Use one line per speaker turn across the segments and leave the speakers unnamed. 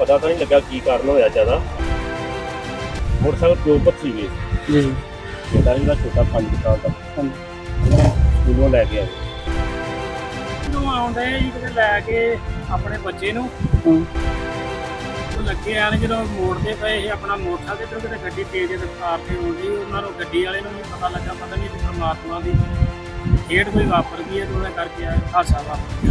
ਪਤਾ ਤਾਂ ਨਹੀਂ ਲੱਗਾ ਕੀ ਕਾਰਨ ਹੋਇਆ ਜ਼ਿਆਦਾ। ਮੋਟਰਸਾਈਕਲ ਪਿਓ ਪੁੱਤ ਸੀਗੇ
ਜੀ
ਬੇਟਾ ਜਿਹੜਾ ਛੋਟਾ 5 ਸਾਲ ਦਾ ਸਕੂਲੋਂ ਲੈ ਕੇ ਆਏ।
ਨੂੰ ਆਉਂਦੇ ਜੀ ਕਿਤੇ ਲੈ ਕੇ ਆਪਣੇ ਬੱਚੇ ਨੂੰ ਉਹ ਲੱਗੇ ਆਣ ਜਦੋਂ ਮੋੜਦੇ ਪਏ ਸੀ ਆਪਣਾ ਮੋਟਰਸਾਈਕਲ ਤੇ ਕਿਤੇ ਗੱਡੀ ਤੇਜ਼ ਰਫ਼ਤਾਰ ਤੇ ਆਉਂਦੀ ਉਹਨਾਂ ਨੂੰ ਗੱਡੀ ਵਾਲੇ ਨੂੰ ਨਹੀਂ ਪਤਾ ਲੱਗਾ, ਪਤਾ ਨਹੀਂ ਕਿ ਪਰਮਾਤਮਾ ਦੀ ਖੇਡ ਕੋਈ ਵਾਪਰ ਗਈ ਹੈ ਤੇ ਉਹਦੇ ਕਰਕੇ ਹਾਦਸਾ ਵਾਪਰ ਗਿਆ।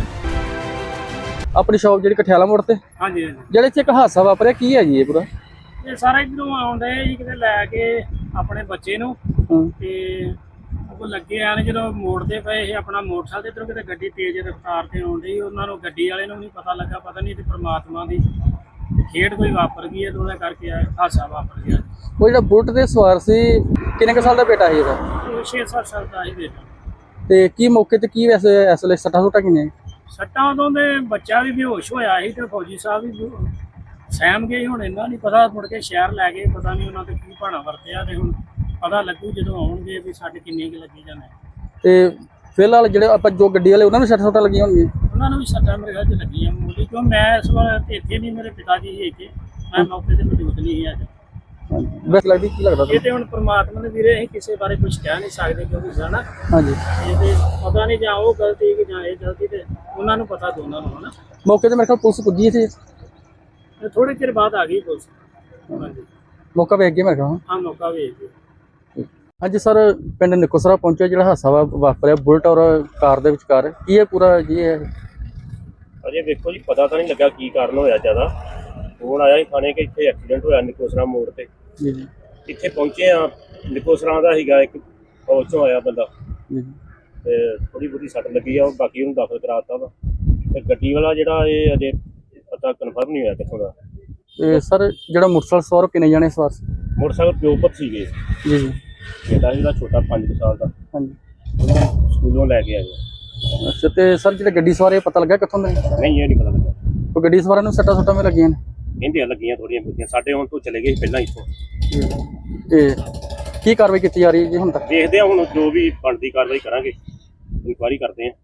ਆਪਣੀ ਸ਼ੌਪ ਜਿਹੜੀ ਕਠਿਆਲਾ ਮੋੜ ਤੇ
ਹਾਂਜੀ ਹਾਂਜੀ
ਜਿਹੜੇ ਚ ਇੱਕ ਹਾਦਸਾ ਵਾਪਰਿਆ ਕੀ ਹੈ ਜੀ ਇਹ ਪੂਰਾ?
ਇਹ ਸਾਰਾ ਇੱਧਰੋਂ ਆਉਂਦੇ ਜੀ ਕਿਤੇ ਲੈ ਕੇ ਆਪਣੇ ਬੱਚੇ ਨੂੰ ਤੇ ਉਹ ਲੱਗੇ ਆਣ ਜਦੋਂ ਮੋੜਦੇ ਪਏ ਸੀ ਆਪਣਾ ਮੋਟਰਸਾਈਕਲ ਤੇ ਇੱਧਰੋਂ ਕਿਤੇ ਗੱਡੀ ਤੇਜ਼ ਰਫ਼ਤਾਰ ਤੇ ਆਉਂਦੀ ਉਹਨਾਂ ਨੂੰ ਗੱਡੀ ਵਾਲੇ ਨੂੰ ਨਹੀਂ ਪਤਾ ਲੱਗਾ, ਪਤਾ ਨਹੀਂ ਕਿ ਪਰਮਾਤਮਾ ਦੀ ਖੇਡ ਕੋਈ ਵਾਪਰ ਗਈ ਹੈ ਤੇ ਉਹਦੇ ਕਰਕੇ ਹਾਦਸਾ ਵਾਪਰ ਗਿਆ।
ਉਹ ਜਿਹੜਾ ਬੁਲਟ ਦੇ ਸਵਾਰ ਸੀ ਕਿੰਨੇ ਕੁ ਸਾਲ ਦਾ ਬੇਟਾ ਸੀ ਇਹਦਾ?
ਉਹ 6-7 ਸਾਲ ਦਾ ਹੀ ਬੇਟਾ।
ਤੇ ਕੀ ਮੌਕੇ ਤੇ ਕੀ ਵੈਸੇ ਇਸ ਵੇਲੇ ਸੱਟਾਂ ਸੁੱਟਾਂ ਕਿੰਨੇ?
ਸੱਟਾਂ ਉਦੋਂ ਦੇ ਬੱਚਾ ਵੀ ਬੇਹੋਸ਼ ਹੋਇਆ ਸੀ ਤੇ ਫੌਜੀ ਸਾਹਿਬ ਵੀ ਸਹਿਮ ਗਏ। ਹੁਣ ਇਹਨਾਂ ਨਹੀਂ ਪਤਾ, ਮੁੜ ਕੇ ਸ਼ਹਿਰ ਲੈ ਗਏ, ਪਤਾ ਨਹੀਂ ਉਹਨਾਂ ਤੇ ਕੀ ਭਾਣਾ ਵਰਤਿਆ ਤੇ ਹੁਣ ਪਤਾ ਲੱਗੂ ਜਦੋਂ ਆਉਣਗੇ ਵੀ ਸਾਡੇ ਕਿੰਨੇ ਕੁ ਲੱਗੀ ਜਾਂਦੇ।
ਤੇ ਫਿਲਹਾਲ ਜਿਹੜੇ ਆਪਾਂ ਜੋ ਗੱਡੀ ਵਾਲੇ ਉਹਨਾਂ ਨੂੰ ਸੱਟਾਂ ਸੁੱਟਾਂ ਲੱਗੀਆਂ ਹੋਣਗੀਆਂ?
ਉਹਨਾਂ ਨੂੰ ਵੀ ਸੱਟਾਂ ਮੇਰੇ ਖਿਆਲ 'ਚ ਲੱਗੀਆਂ ਮੂਲੀ, ਕਿਉਂ ਮੈਂ ਇਸ ਵਾਰ ਇੱਥੇ ਨਹੀਂ, ਮੇਰੇ ਪਿਤਾ ਜੀ ਸੀ ਇੱਥੇ, ਮੈਂ ਮੌਕੇ ਤੇ ਮੌਜੂਦ ਨਹੀਂ ਸੀ ਅੱਜ।
ਵੈਸੇ ਲੱਗਦੀ ਕੀ ਲੱਗਦਾ
ਇਹ ਤੇ ਹੁਣ ਪਰਮਾਤਮਾ ਦੇ ਵੀਰੇ ਅਸੀਂ ਕਿਸੇ ਬਾਰੇ ਕੁਝ ਕਹਿ ਨਹੀਂ ਸਕਦੇ ਕਿਉਂਕਿ ਜਾਣਾ
ਹਾਂਜੀ
ਇਹ ਤੇ ਪਤਾ ਨਹੀਂ ਜਾਂ ਉਹ ਗਲਤੀ ਕਿ ਜਾਂ ਇਹ ਗਲਤੀ, ਤੇ ਉਹਨਾਂ ਨੂੰ ਪਤਾ ਦੋਨਾਂ ਨੂੰ ਹਨਾ।
ਮੌਕੇ ਤੇ ਮੇਰੇ ਖਿਆਲ ਪੁਲਿਸ ਪੁੱਜੀ ਸੀ,
ਥੋੜੇ ਚਿਰ ਬਾਅਦ ਆ ਗਈ ਪੁਲਿਸ। ਹਾਂਜੀ
ਮੌਕਾ ਵੇਖ ਗਿਆ ਮੇਰੇ ਖਿਆਲ।
ਹਾਂ ਮੌਕਾ ਵੇਖ ਕੇ।
ਹਾਂਜੀ ਸਰ, ਪਿੰਡ ਨਿਕੋਸਰਾ ਪਹੁੰਚਿਆ ਜਿਹੜਾ ਹਾਦਸਾ ਵਾਪਰਿਆ ਬੁਲਟ ਔਰ ਕਾਰ ਦੇ ਵਿਚਕਾਰ, ਕੀ ਹੈ ਪੂਰਾ ਜੀ ਇਹ?
ਅਜੇ ਵੇਖੋ ਜੀ, ਪਤਾ ਤਾਂ ਨਹੀਂ ਲੱਗਾ ਕੀ ਕਾਰਨ ਹੋਇਆ ਜ਼ਿਆਦਾ। ਫੋਨ ਆਇਆ ਸੀ ਥਾਣੇ ਕਿ ਇੱਥੇ ਐਕਸੀਡੈਂਟ ਹੋਇਆ ਨਿਕੋਸਰਾ ਮੋੜ ਤੇ।
ਜੀ ਜੀ
ਇੱਥੇ ਪਹੁੰਚੇ ਆ, ਨਿਕੋਸਰਾ ਦਾ ਸੀਗਾ ਇੱਕ ਫੌਜ ਚੋਂ ਆਇਆ ਬੰਦਾ
ਜੀ
ਤੇ ਥੋੜੀ ਬਹੁਤੀ ਸੱਟ ਲੱਗੀ ਆ, ਉਹ ਬਾਕੀ ਉਹਨੂੰ ਦਾਖਲ ਕਰਾਤਾ ਵਾ। ਤੇ ਗੱਡੀ ਵਾਲਾ ਜਿਹੜਾ ਇਹ ਅਜੇ ਪਤਾ ਕਨਫਰਮ ਨਹੀਂ ਹੋਇਆ ਕਿੱਥੋਂ ਦਾ।
ਤੇ ਸਰ ਜਿਹੜਾ ਮੋਟਰਸਾਈਕਲ ਸਵਾਰ ਕਿੰਨੇ ਜਾਣੇ ਸਵਾਰ ਸੀ?
ਮੋਟਰਸਾਈਕਲ ਪਿਓ ਪੁੱਤ ਸੀਗੇ
ਜੀ ਜੀ
ਬੇਟਾ ਜਿਹੜਾ ਛੋਟਾ 5 ਸਾਲ ਦਾ
ਹਾਂਜੀ
ਸਕੂਲੋਂ ਲੈ ਕੇ ਆਏ।
ਅੱਛਾ, ਤੇ ਸਰ ਜਿਹੜੇ ਗੱਡੀ ਸਵਾਰ ਇਹ ਪਤਾ ਲੱਗਾ ਕਿੱਥੋਂ ਦੇ?
ਨਹੀਂ ਇਹ ਨਹੀਂ ਪਤਾ ਲੱਗਾ।
ਕੋਈ ਗੱਡੀ ਸਵਾਰਾਂ ਨੂੰ ਸੱਟਾਂ ਸੁੱਟਾਂ ਵੀ ਲੱਗੀਆਂ ਨੇ?
ਕਹਿੰਦੇ ਲੱਗੀਆਂ ਥੋੜੀਆਂ ਬਹੁਤੀਆਂ, ਸਾਡੇ ਹੁਣ ਤੋਂ ਚਲੇ ਗਏ ਸੀ ਪਹਿਲਾਂ ਇੱਥੋਂ।
ਤੇ ਕੀ ਕਾਰਵਾਈ ਕੀਤੀ ਜਾ ਰਹੀ ਹੈ ਜੀ ਹੁਣ ਤੱਕ?
ਦੇਖਦੇ ਆ ਹੁਣ ਜੋ ਵੀ ਬਣਦੀ ਕਾਰਵਾਈ ਕਰਾਂਗੇ, ਇਨਕੁਆਇਰੀ ਕਰਦੇ ਆ।